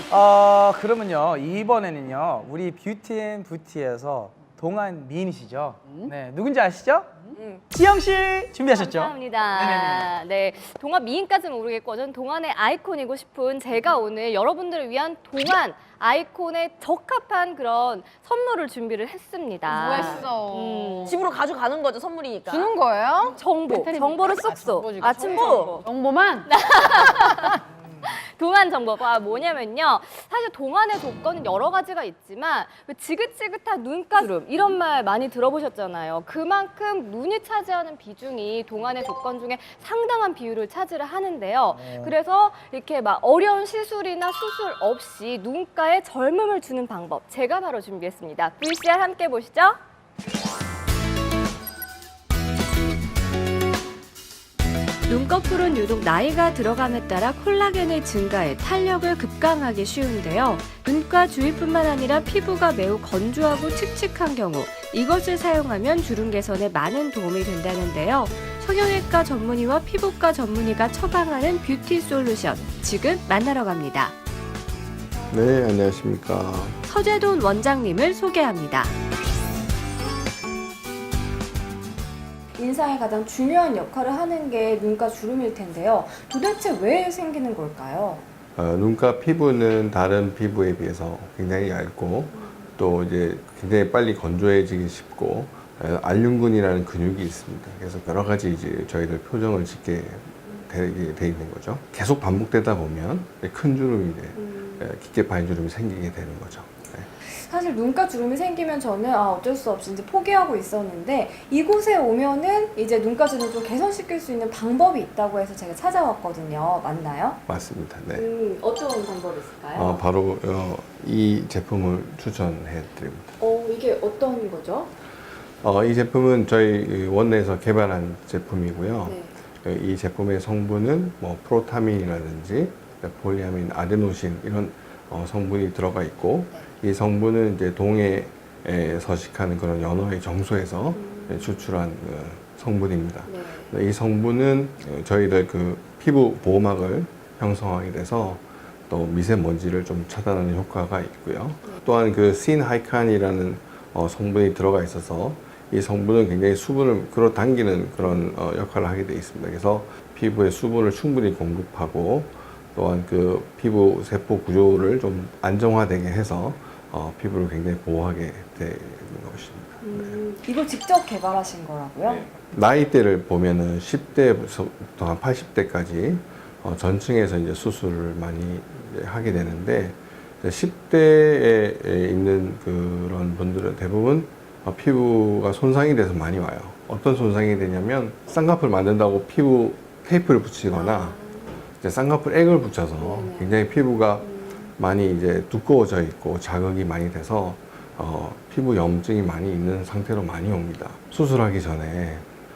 그러면요 이번에는요 우리 뷰티앤부티에서 동안 미인이시죠? 네, 누군지 아시죠? 지영 씨 준비하셨죠? 감사합니다. 네, 동안 미인까지는 모르겠고 저는 동안의 아이콘이고 싶은 제가 오늘 여러분들을 위한 동안 아이콘에 적합한 그런 선물을 준비를 했습니다. 뭐 했어? 집으로 가져가는 거죠, 선물이니까. 주는 거예요? 정보를 쏙쏙. 아침 정보. 정보만? 동안 정보가 뭐냐면요. 사실 동안의 조건은 여러 가지가 있지만 지긋지긋한 눈가주름 이런 말 많이 들어보셨잖아요. 그만큼 눈이 차지하는 비중이 동안의 조건 중에 상당한 비율을 차지를 하는데요. 그래서 이렇게 막 어려운 시술이나 수술 없이 눈가에 젊음을 주는 방법 제가 바로 준비했습니다. VCR 함께 보시죠. 눈꺼풀은 유독 나이가 들어감에 따라 콜라겐의 증가에 탄력을 급강하기 쉬운데요. 눈가 주위뿐만 아니라 피부가 매우 건조하고 칙칙한 경우 이것을 사용하면 주름 개선에 많은 도움이 된다는데요. 성형외과 전문의와 피부과 전문의가 처방하는 뷰티 솔루션 지금 만나러 갑니다. 네, 안녕하십니까. 서재돈 원장님을 소개합니다. 인상에 가장 중요한 역할을 하는 게 눈가 주름일 텐데요. 도대체 왜 생기는 걸까요? 눈가 피부는 다른 피부에 비해서 굉장히 얇고 또 이제 굉장히 빨리 건조해지기 쉽고 알륜근이라는 근육이 있습니다. 그래서 여러 가지 이제 저희들 표정을 짓게 돼 있는 거죠. 계속 반복되다 보면 큰 주름이 깊게 파인 주름이 생기게 되는 거죠. 사실 눈가 주름이 생기면 저는 어쩔 수 없이 이제 포기하고 있었는데 이곳에 오면은 이제 눈가 주름을 좀 개선시킬 수 있는 방법이 있다고 해서 제가 찾아왔거든요. 맞나요? 맞습니다. 네. 어떤 방법이 있을까요? 바로 이 제품을 추천해 드립니다. 이게 어떤 거죠? 이 제품은 저희 원내에서 개발한 제품이고요. 네. 이 제품의 성분은 뭐 프로타민이라든지 폴리아민, 아데노신 이런 성분이 들어가 있고 이 성분은 이제 동해에 서식하는 그런 연어의 정소에서 추출한 성분입니다. 네. 이 성분은 저희들 그 피부 보호막을 형성하게 돼서 또 미세먼지를 좀 차단하는 효과가 있고요. 또한 그 신하이칸이라는 성분이 들어가 있어서 이 성분은 굉장히 수분을 끌어당기는 그런 역할을 하게 되어 있습니다. 그래서 피부에 수분을 충분히 공급하고 또한 그 피부 세포 구조를 좀 안정화되게 해서 피부를 굉장히 보호하게 되는 것입니다. 이걸 직접 개발하신 거라고요? 네. 나이대를 보면은 10대부터 한 80대까지 전층에서 이제 수술을 많이 하게 되는데 10대에 있는 그런 분들은 대부분 피부가 손상이 돼서 많이 와요. 어떤 손상이 되냐면 쌍꺼풀 만든다고 피부 테이프를 붙이거나 이제 쌍꺼풀 액을 붙여서 굉장히 피부가 많이 이제 두꺼워져 있고 자극이 많이 돼서 피부 염증이 많이 있는 상태로 많이 옵니다. 수술하기 전에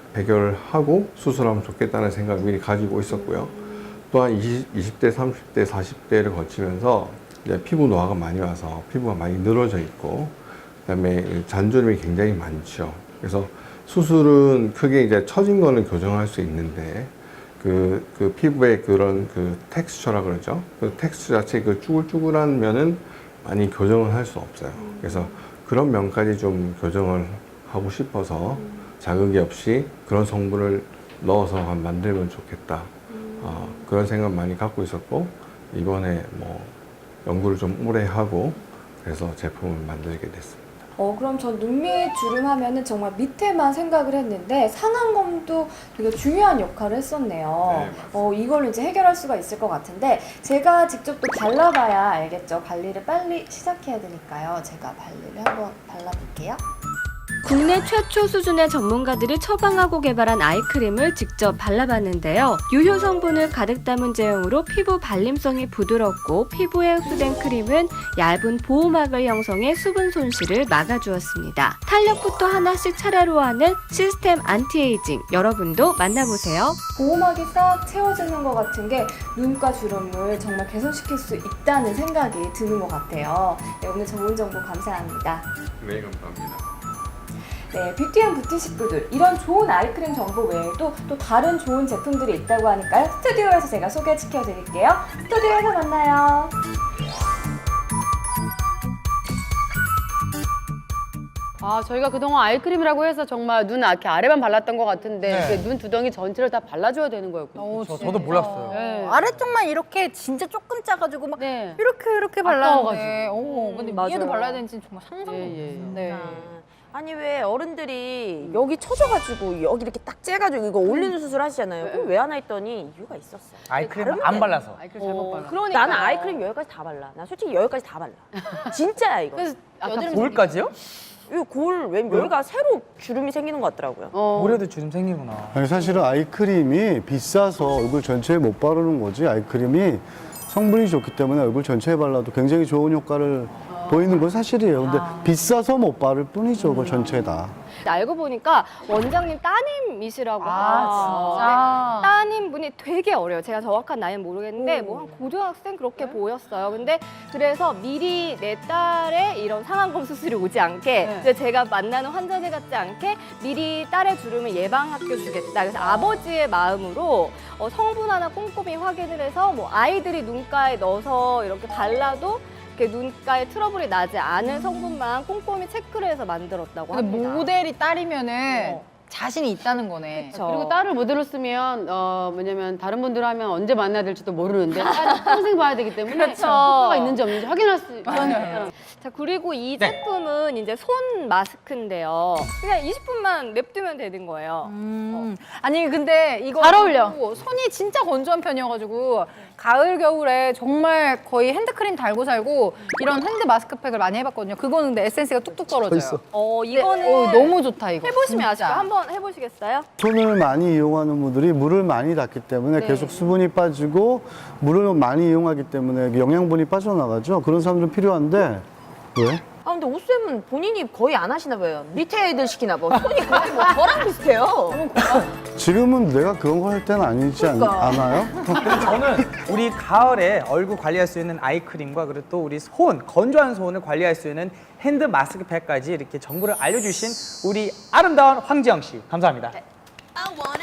해결하고 수술하면 좋겠다는 생각을 미리 가지고 있었고요. 또한 20대, 30대, 40대를 거치면서 이제 피부 노화가 많이 와서 피부가 많이 늘어져 있고 그다음에 잔주름이 굉장히 많죠. 그래서 수술은 크게 이제 처진 거는 교정할 수 있는데 그 피부의 그런 그 텍스처라 그러죠. 그 텍스처 자체 그 쭈글쭈글한 면은 많이 교정을 할 수 없어요. 그래서 그런 면까지 좀 교정을 하고 싶어서 자극이 없이 그런 성분을 넣어서 만들면 좋겠다. 그런 생각 많이 갖고 있었고 이번에 뭐 연구를 좀 오래 하고 그래서 제품을 만들게 됐습니다. 그럼 전 눈밑 주름 하면은 정말 밑에만 생각을 했는데 상안검도 되게 중요한 역할을 했었네요. 이걸로 이제 해결할 수가 있을 것 같은데 제가 직접 또 발라봐야 알겠죠. 관리를 빨리 시작해야 되니까요. 제가 관리를 한번 발라볼게요. 국내 최초 수준의 전문가들이 처방하고 개발한 아이크림을 직접 발라봤는데요. 유효 성분을 가득 담은 제형으로 피부 발림성이 부드럽고 피부에 흡수된 크림은 얇은 보호막을 형성해 수분 손실을 막아주었습니다. 탄력부터 하나씩 차례로 하는 시스템 안티에이징 여러분도 만나보세요. 보호막이 싹 채워지는 것 같은 게 눈가 주름을 정말 개선시킬 수 있다는 생각이 드는 것 같아요. 네, 오늘 좋은 정보 감사합니다. 네, 감사합니다. 네, 뷰티앤부티 식구들 이런 좋은 아이크림 정보 외에도 또 다른 좋은 제품들이 있다고 하니까요. 스튜디오에서 제가 소개시켜 드릴게요. 스튜디오에서 만나요. 저희가 그동안 아이크림이라고 해서 정말 눈 이렇게 아래만 발랐던 것 같은데 네. 이렇게 눈 두덩이 전체를 다 발라줘야 되는 거였군요. 저도 몰랐어요. 네. 아래쪽만 이렇게 진짜 조금 짜가지고 막 네. 이렇게 발랐는데. 근데 맞아요. 위에도 발라야 되는지 정말 상상도 예, 못했어요. 예. 네. 아니 왜 어른들이 여기 쳐져가지고 여기 이렇게 딱 째가지고 이거 올리는 수술 하시잖아요. 그럼 왜 안 했더니 이유가 있었어요. 아이크림 안 발라서. 아이크림 잘못 발라. 그러니까 나는 아이크림 여기까지 다 발라. 나 솔직히 여기까지 다 발라. 진짜야 이거. 그래서 아까 볼까지요? 이거 왜 여기가 새로 주름이 생기는 것 같더라고요. 볼에도 주름 생기구나. 아니, 사실은 아이크림이 비싸서 얼굴 전체에 못 바르는 거지. 아이크림이 성분이 좋기 때문에 얼굴 전체에 발라도 굉장히 좋은 효과를 보이는 건 사실이에요. 근데 비싸서 못 바를 뿐이죠, 얼굴 전체에 다. 알고 보니까 원장님 따님이시라고 하더라고요. 진짜? 네, 따님분이 되게 어려요. 제가 정확한 나이는 모르겠는데 뭐 한 고등학생 그렇게 보였어요. 근데 그래서 미리 내 딸의 이런 상안검 수술이 오지 않게 이제 제가 만나는 환자들 같지 않게 미리 딸의 주름을 예방학교 주겠다. 그래서 아버지의 마음으로 성분 하나 꼼꼼히 확인을 해서 뭐 아이들이 눈가에 넣어서 이렇게 발라도 이렇게 눈가에 트러블이 나지 않을 성분만 꼼꼼히 체크를 해서 만들었다고 근데 합니다. 모델이 딸이면은 자신이 있다는 거네. 그쵸. 그리고 딸을 모델로 쓰면 뭐냐면 다른 분들 하면 언제 만나야 될지도 모르는데 딸이 평생 봐야 되기 때문에 그렇죠. 효과가 있는지 없는지 확인할 수 있어요. 자, 그리고 이 네. 제품은 이제 손 마스크인데요. 그냥 20분만 냅두면 되는 거예요. 아니 근데 이거 잘 어울려. 손이 진짜 건조한 편이어가지고 가을 겨울에 정말 거의 핸드크림 달고 살고 이런 핸드 마스크팩을 많이 해봤거든요. 그거는 근데 에센스가 뚝뚝 떨어져요. 이거는 너무 좋다 이거. 해보시면 진짜. 아시죠? 한번 해보시겠어요? 손을 많이 이용하는 분들이 물을 많이 닿기 때문에 계속 수분이 빠지고 물을 많이 이용하기 때문에 영양분이 빠져나가죠. 그런 사람들은 필요한데 왜? 아 근데 오쌤은 본인이 거의 안 하시나 봐요. 밑에 애들 시키나 봐. 손이 거의 뭐 저랑 비슷해요. 지금은 내가 그런 거 할 때는 아니지 않아요? 저는 우리 가을에 얼굴 관리할 수 있는 아이크림과 그리고 또 우리 건조한 손을 관리할 수 있는 핸드 마스크팩까지 이렇게 정보를 알려주신 우리 아름다운 황지영 씨 감사합니다. I wanna